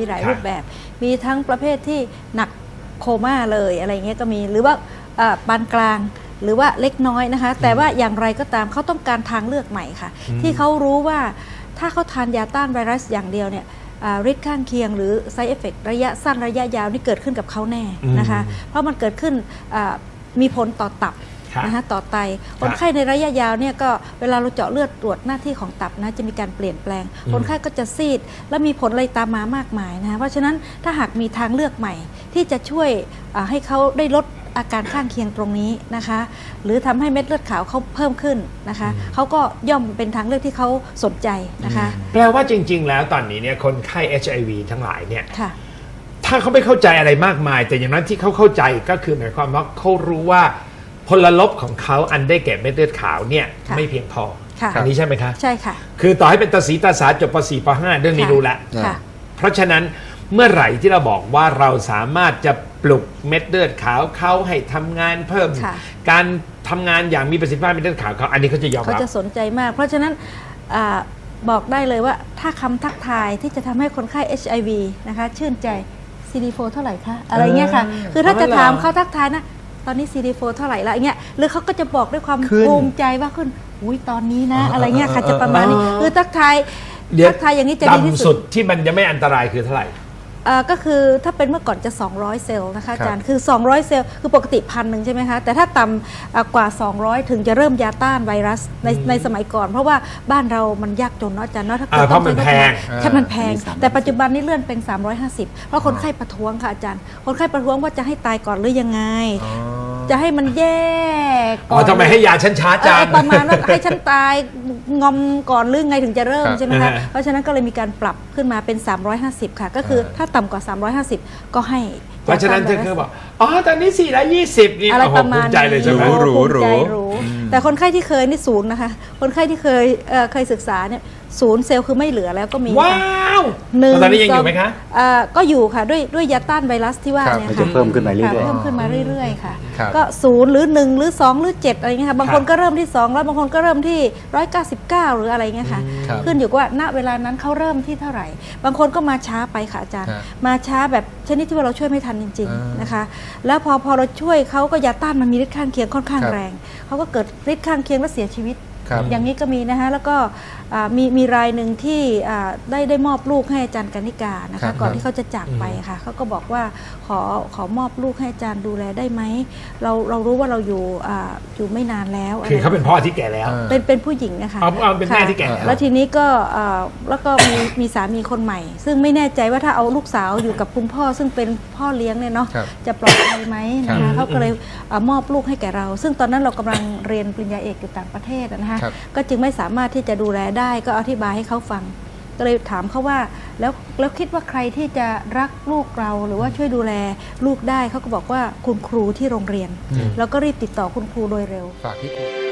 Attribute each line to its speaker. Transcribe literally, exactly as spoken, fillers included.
Speaker 1: หลายรูปแบบมีทั้งประเภทที่หนักโคม่าเลยอะไรเงี้ยก็มีหรือว่าปานกลางหรือว่าเล็กน้อยนะคะแต่ว่าอย่างไรก็ตามเขาต้องการทางเลือกใหม่ค่ะที่เขารู้ว่าถ้าเขาทานยาต้านไวรัสอย่างเดียวเนี่ยฤทธิ์ข้างเคียงหรือ side effect ระยะสั้นระยะยาวนี่เกิดขึ้นกับเขาแน่นะคะเพราะมันเกิดขึ้นมีผลต่อตับนะคะต่อไตคนไข้ในระยะยาวเนี่ยก็เวลาเราเจาะเลือดตรวจหน้าที่ของตับนะจะมีการเปลี่ยนแปลงคนไข้ก็จะซีดและมีผลอะไรตามมามากมายนะคะเพราะฉะนั้นถ้าหากมีทางเลือกใหม่ที่จะช่วยให้เขาได้ลดอาการข้างเคียงตรงนี้นะคะหรือทำให้เม็ดเลือดขาวเขาเพิ่มขึ้นนะคะเขาก็ย่อมเป็นทางเลือกที่เขาสนใจนะคะ
Speaker 2: แปลว่าจริงๆแล้วตอนนี้เนี่ยคนไข้ เอช ไอ วี ทั้งหลายเนี่ยถ้าเขาไม่เข้าใจอะไรมากมายแต่อย่างนั้นที่เขาเข้าใจก็คือหมายความว่าเขารู้ว่าพลลบของเขาอันได้แก่เม็ดเลือดขาวเนี่ยไม่เพียงพออันนี้ใช่ไหมคะ
Speaker 1: ใช่ค่ะ
Speaker 2: คือต่อให้เป็นตาสีตาสาจบป .สี่ ป .ห้า เรื่องนี้รู้แล้วเพราะฉะนั้นเมื่อไหร่ที่เราบอกว่าเราสามารถจะปลุกเม็ดเลือดขาวเขาให้ทำงานเพิ่มการทำงานอย่างมีประสิทธิภาพเม็ดเลือดขาวเขาอันนี้เขาจะยอมรับ
Speaker 1: เขาจะสนใจมากเพราะฉะนั้นบอกได้เลยว่าถ้าคำทักทายที่จะทำให้คนไข้ เอช ไอ วี นะคะชื่นใจ ซี ดี โฟร์ เท่าไหร่คะอะไรเงี้ยค่ะคือถ้าจะถามเขาทักทายนะตอนนี้ ซี ดี โฟร์ เท่าไหร่ละเงี้ยหรือเขาก็จะบอกด้วยความภูมิใจว่าขึ้นอุ้ยตอนนี้นะอะไรเงี้ยค่ะจะประมาณนี้คือทักทายทักทายอย่างนี้จะดีที่สุด
Speaker 2: ที่มันจะไม่อันตรายคือเท่าไหร่
Speaker 1: ก็คือถ้าเป็นเมื่อก่อนจะสองร้อยเซลล์นะคะอาจารย์คือสองร้อยเซลล์คือปกติพันหนึ่งใช่ไหมคะแต่ถ้าต่ำกว่าสองร้อยถึงจะเริ่มยาต้านไวรัสในในสมัยก่อนเพราะว่าบ้านเรามันยากจนเนาะอาจารย์เนาะถ้าเกิด
Speaker 2: ต้องใช้
Speaker 1: ใช่มันแพงแต่ปัจจุบันนี้เลื่อนเป็นสามร้อยห้าสิบเพราะคนไข้ประท้วงค่ะอาจารย์คนไข้ประท้วงว่าจะให้ตายก่อนหรือยังไงจะให้มันแย่
Speaker 2: ก่อนทำไมให้ยาฉันช้าจัง
Speaker 1: ประมาณว่าให้ฉันตายงอมก่อนหรือไงถึงจะเริ่มใช่ไหมคะเพราะฉะนั้นก็เลยมีการปรับขึ้นมาเป็นสามร้อยห้าสิบค่ะก็คือถ้าต่ำกว่าสามร้อยห้าสิบก็ให้
Speaker 2: เพราะฉะนั้นเธอคือบอกอ๋อตอนนี้สี่ร้อยยี่สิบนี่
Speaker 1: อะไรประมาณ
Speaker 2: ใจเลยใช่ไหม
Speaker 1: รู้รู้รู้แต่คนไข้ที่เคยนี่ศูนย์นะคะคนไข้ที่เคยเคยศึกษาเนี่ยศูนย์เซลล์คือไม่เหลือแล้วก็มี
Speaker 2: ว้าวตอนนี้ยังอยู่ไหมคะ
Speaker 1: ก็อยู่ค่ะด้วยด้วยยาต้านไวรัสที่ว่าเนี่ยค่ะ
Speaker 3: เพิ่มขึ้นมาเรื่อยๆ
Speaker 1: เพิ่มขึ้นมาเรื่อยๆค่ะก็ศูนย์หรือหนึ่งหรือสองหรือเจ็ดอะไรเงี้ยค่ะบางคนก็เริ่มที่สองแล้วบางคนก็เริ่มที่ร้อยเก้าสิบเก้าหรืออะไรเงี้ยค่ะขึ้นอยู่ว่าณเวลานั้นเขาเริ่มที่เท่าไหร่บางคนก็มาช้าไปค่ะอาจารย์มาช้าแบบชนิดที่ว่าเราช่วยไม่ทันจริงๆนะคะแล้วพอพอเราช่วยเขาก็ยาต้านมันมีฤทธิ์ข้างเคียงค่อนข้างแรงเขาก็เกิดฤทธิ์ข้างเคียงและเสียชีวิตอย่างนี้ก็มีนะคะแล้วก็มีมีรายหนึ่งที่ได้ได้มอบลูกให้อาจารย์กนิกานะคะก่อนที่เขาจะจากไปค่ะเขาก็บอกว่าขอขอมอบลูกให้อาจารย์ดูแลได้ไหมเราเรารู้ว่าเราอยู่อยู่ไม่นานแล้ว
Speaker 2: คือเขาเป็นพ่อที่แก่แล้ว
Speaker 1: เป็นเป็นผู้หญิงนะคะ
Speaker 2: เอาเป็นแม่ที่แก่
Speaker 1: แล้วทีนี้ก็แล้วก็มีมีสามีคนใหม่ซึ่งไม่แน่ใจว่าถ้าเอาลูกสาวอยู่กับคุณพ่อซึ่งเป็นพ่อเลี้ยงเนี่ยเนาะจะปลอดภัยไหมนะคะเขาก็เลยมอบลูกให้แก่เราซึ่งตอนนั้นเรากำลังเรียนปริญญาเอกอยู่ต่างประเทศนะคะก็จึงไม่สามารถที่จะดูแลได้ก็อธิบายให้เขาฟังก็เลยถามเขาว่าแล้วแล้วคิดว่าใครที่จะรักลูกเราหรือว่าช่วยดูแลลูกได้เขาก็บอกว่าคุณครูที่โรงเรียนแล้วก็รีบติดต่อคุณครูโดยเร็ว
Speaker 3: ฝากที่ครู